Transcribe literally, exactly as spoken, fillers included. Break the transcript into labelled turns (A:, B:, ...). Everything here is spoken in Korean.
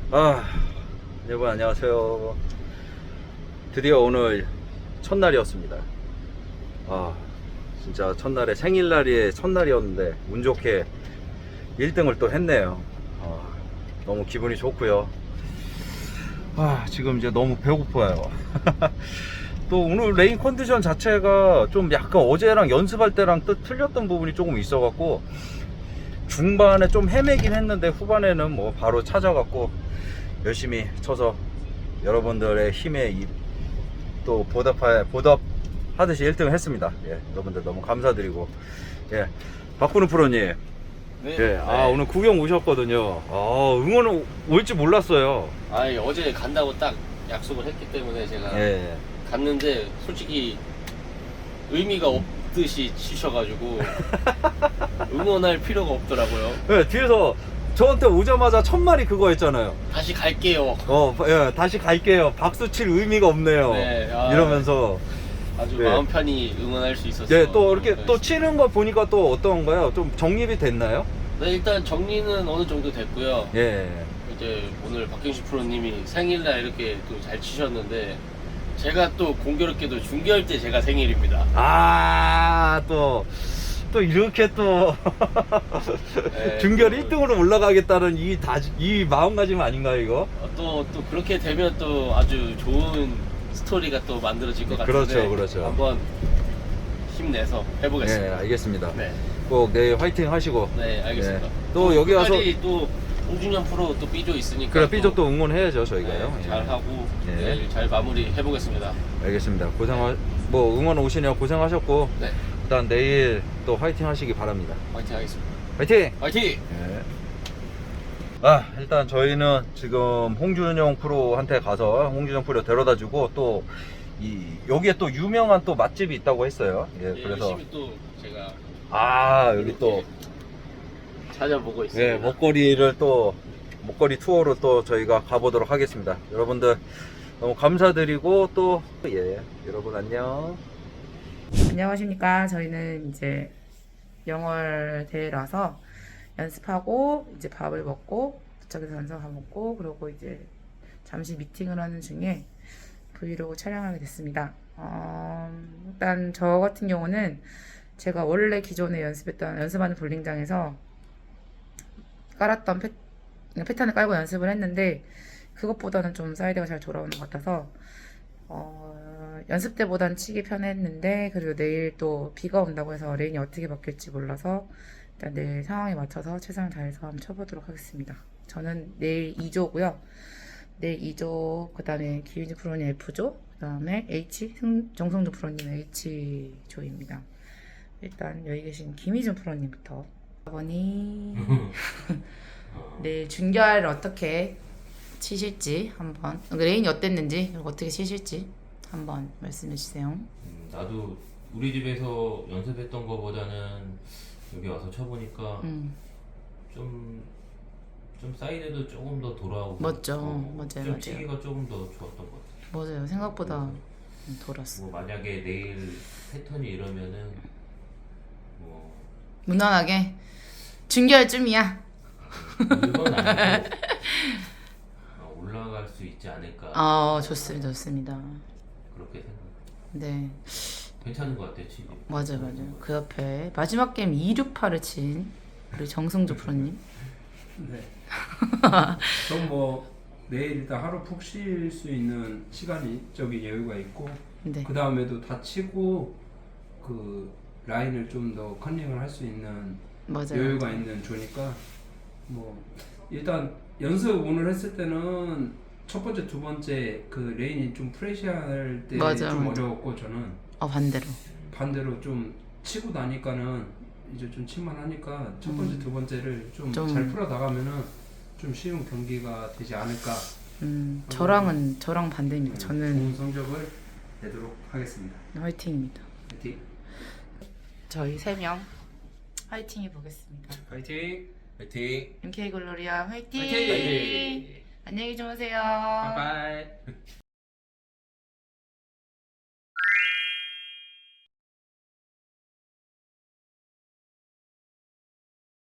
A: 아, 여러분 안녕하세요. 드디어 오늘 첫날이었습니다. 아, 진짜 첫날에 생일날이 첫날이었는데 운 좋게 일 등을 또 했네요. 아, 너무 기분이 좋고요. 아, 지금 이제 너무 배고파요. 또 오늘 레인 컨디션 자체가 좀 약간 어제랑 연습할 때랑 또 틀렸던 부분이 조금 있어갖고 중반에 좀 헤매긴 했는데 후반에는 뭐 바로 찾아갖고 열심히 쳐서 여러분들의 힘에 또 보답하, 보답하듯이 일 등을 했습니다. 예, 여러분들 너무 감사드리고. 예, 박근우 프로님.
B: 네.
A: 예, 아,
B: 네.
A: 오늘 구경 오셨거든요. 아, 응원 올지 몰랐어요.
B: 아, 어제 간다고 딱 약속을 했기 때문에 제가
A: 예.
B: 갔는데 솔직히 의미가 없듯이 치셔가지고 응원할 필요가 없더라고요.
A: 예, 뒤에서 저한테 오자마자 첫 말이 그거 했잖아요.
B: 다시 갈게요.
A: 어, 예, 다시 갈게요. 박수 칠 의미가 없네요.
B: 네, 아,
A: 이러면서.
B: 아주
A: 네.
B: 마음 편히 응원할 수 있었어요.
A: 예, 또 이렇게
B: 네.
A: 또 치는 거 보니까 또 어떤가요? 좀 정립이 됐나요?
B: 네, 일단 정리는 어느 정도 됐고요.
A: 예.
B: 이제 오늘 박경식 프로님이 생일날 이렇게 또 잘 치셨는데 제가 또 공교롭게도 중계할 때 제가 생일입니다.
A: 아, 또, 또 이렇게 또,
B: 네,
A: 중결
B: 또-
A: 일 등으로 올라가겠다는 이 다, 이 마음가짐 아닌가요, 이거?
B: 어, 또, 또 그렇게 되면 또 아주 좋은 스토리가 또 만들어질 것 같은데
A: 그렇죠, 그렇죠.
B: 한번 힘내서 해보겠습니다.
A: 네, 알겠습니다.
B: 네,
A: 꼭 내일 화이팅 하시고.
B: 네, 알겠습니다.
A: 네. 또 여기 와서,
B: 끝까지 또 홍준현 프로 또 삐조 있으니까
A: 그래, 삐조 또 응원해야죠, 저희가요.
B: 네,
A: 예.
B: 잘 하고
A: 네.
B: 내일 잘 마무리 해보겠습니다.
A: 알겠습니다. 고생하, 뭐, 응원 오시냐 고생하셨고,
B: 네,
A: 일단 내일 또 화이팅 하시기 바랍니다.
B: 화이팅 하겠습니다.
A: 화이팅!
B: 화이팅!
A: 네. 아, 일단 저희는 지금 홍준영 프로한테 가서 홍준영 프로 데려다 주고 또 이 여기에 또 유명한 또 맛집이 있다고 했어요. 예,
B: 네,
A: 그래서
B: 열심히 또 제가
A: 아, 여기 또
B: 찾아보고 있습니다.
A: 예, 먹거리를 또 먹거리 투어로 또 저희가 가보도록 하겠습니다. 여러분들 너무 감사드리고 또 예, 여러분 안녕.
C: 안녕하십니까. 저희는 이제 영월 대회라서 연습하고 이제 밥을 먹고 도착해서 연습 밥 먹고 그러고 이제 잠시 미팅을 하는 중에 브이로그 촬영하게 됐습니다. 어, 일단 저 같은 경우는 제가 원래 기존에 연습했던 연습하는 볼링장에서 깔았던 패, 패턴을 깔고 연습을 했는데 그것보다는 좀 사이드가 잘 돌아오는 것 같아서 어, 연습 때보단 치기 편했는데 그리고 내일 또 비가 온다고 해서 레인이 어떻게 바뀔지 몰라서 일단 내일 상황에 맞춰서 최선을 다해서 한번 쳐보도록 하겠습니다. 저는 내일 이 조고요. 내일 이 조, 그 다음에 기윤지 프로님 F조, 그 다음에 H, 승, 정성주 프로님 H조입니다. 일단 여기 계신 김희준 프로님부터 아버님 내일 준결 어떻게 치실지 한번 레인이 어땠는지 그리고 어떻게 치실지 한번 말씀해 주세요.
D: 음, 나도 우리 집에서 연습했던 거보다는 여기 와서 쳐보니까
C: 음.
D: 좀, 좀 사이드도 조금 더 돌아오고
C: 맞죠.
D: 어,
C: 맞아요,
D: 좀
C: 맞아요.
D: 치기가 조금 더 좋았던 것 같아.
C: 맞아요. 생각보다 돌았어.
D: 뭐 만약에 내일 패턴이 이러면은 뭐
C: 무난하게 준결쯤이야.
D: 이건 아니고 어, 올라갈 수 있지 않을까.
C: 아 좋습니다. 좋습니다.
D: 그렇게 생각.
C: 네.
D: 괜찮은 것 같아 치기.
C: 맞아요. 맞아요. 그 옆에 마지막 게임 이육팔을 친 우리 정승주 프로님.
E: 네. 좀 뭐 내일 일단 하루 푹 쉴 수 있는 시간이 적인 여유가 있고
C: 네.
E: 그 다음에도 다치고 그 라인을 좀 더 컨닝을 할 수 있는
C: 맞아요.
E: 여유가
C: 맞아요.
E: 있는 조니까 뭐 일단 연습 오늘 했을 때는 첫 번째 두 번째 그 레인이 좀 프레시할 때 좀
C: 맞아요, 맞아요.
E: 어려웠고 저는
C: 어 반대로.
E: 반대로 좀 치고 나니까는 이제 좀 칠만 하니까 첫 번째 두 번째를 좀
C: 좀-
E: 잘 풀어 나가면은 좀 쉬운 경기가 되지 않을까.
C: 음 저랑은 저랑 반대입니다. 저는
E: 좋은 성적을 내도록 하겠습니다.
C: 화이팅입니다.
E: 파이팅.
C: 저희 세 명 화이팅 해보겠습니다.
E: 파이팅.
D: 파이팅.
C: 엠케이 글로리아 화이팅!
E: 화이팅!
C: 안녕히 주무세요.
E: 바이바이.